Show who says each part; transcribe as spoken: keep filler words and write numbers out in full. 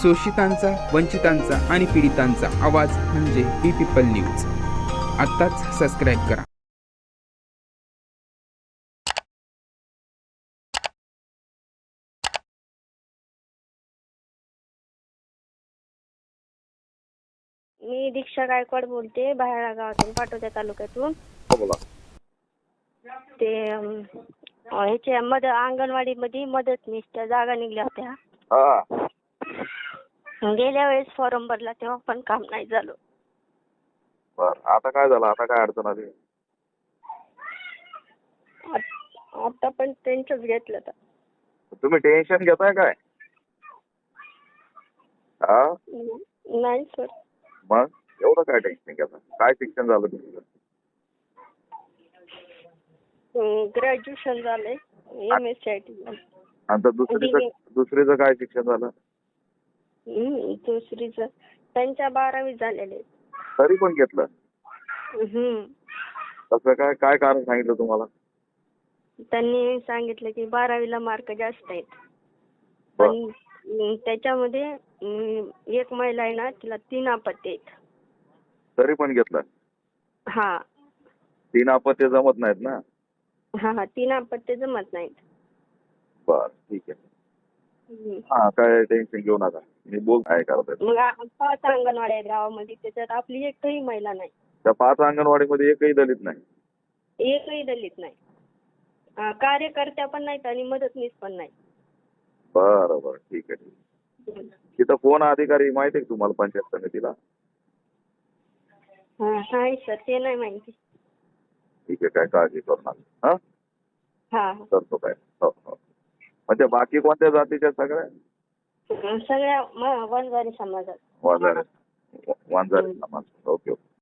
Speaker 1: शोषितांचा, वंचितांचा आणि पीडितांचा आवाज म्हणजे बी पीपल न्यूज. आत्ताच सबस्क्राईब करा.
Speaker 2: मी दीक्षा गायकवाड बोलते, बाहेर गावातून, पाटोदा तालुक्यातून.
Speaker 3: बोला.
Speaker 2: ते अम, ह्याच्या मद अंगणवाडीमध्ये मदतनीसच्या जागा निघल्या होत्या.
Speaker 3: हा
Speaker 2: गेल्या वेळेस फॉर्म भरला तेव्हा पण काम नाही झालं.
Speaker 3: बर, आता काय झालं? आता काय अडचण आली?
Speaker 2: आत- आता पण त्यांचंच घेतलं तर.
Speaker 3: तुम्ही टेन्शन घेताय काय? हा
Speaker 2: नाही सर.
Speaker 3: मग एवढं काय टेन्शन घेता? काय शिक्षण झालं तुमचं?
Speaker 2: ग्रॅज्युएशन झालंय, M S C I T झालं.
Speaker 3: आणि दुसरीचं दुसरीचं काय शिक्षण झालं?
Speaker 2: दुसरीचं त्यांच्या बारावी झालेले.
Speaker 3: तरी पण घेतलं?
Speaker 2: हम्म.
Speaker 3: तसं काय काय कारण सांगितलं तुम्हाला?
Speaker 2: त्यांनी सांगितलं की बारावीला मार्क जास्त आहेत.
Speaker 3: बर.
Speaker 2: पण अं, त्याच्यामध्ये अं, एक महिला आहे ना, तिला तीन अपत्य आहेत.
Speaker 3: तरी पण घेतलं?
Speaker 2: हा
Speaker 3: तीन अपत्य जमत नाहीत ना?
Speaker 2: हा हा तीन अपत्य जमत नाहीत.
Speaker 3: बर, ठीक आहे.
Speaker 2: हम्म.
Speaker 3: हा, काय टेन्शन घेऊ नका, मी बोल काय करतोय.
Speaker 2: मग आ- पाच अंगणवाड्या आहेत गावामध्ये, त्याच्यात आपली एकही महिला नाही,
Speaker 3: त्या पाच अंगणवाडीमध्ये एकही दलित नाही?
Speaker 2: एकही दलित नाही. अं, कार्यकर्त्या पण नाहीत आणि मदतनीस पण नाही.
Speaker 3: बरं बरं, ठीक आहे ठीक आहे.
Speaker 2: हम्म.
Speaker 3: तिथं कोण अधिकारी माहिती आहे का तुम्हाला पंचायत समितीला?
Speaker 2: हा, नाही सर, ते नाही माहिती.
Speaker 3: ठीक आहे, काय काळजी करू नका. हा
Speaker 2: हा
Speaker 3: करतो काय. हो हो. म्हणजे बाकी कोणत्या जातीच्या? सगळ्या
Speaker 2: अं, सगळ्या म- वंजारी समाजात.
Speaker 3: वांजारे वांजारे समाज. Okay okay.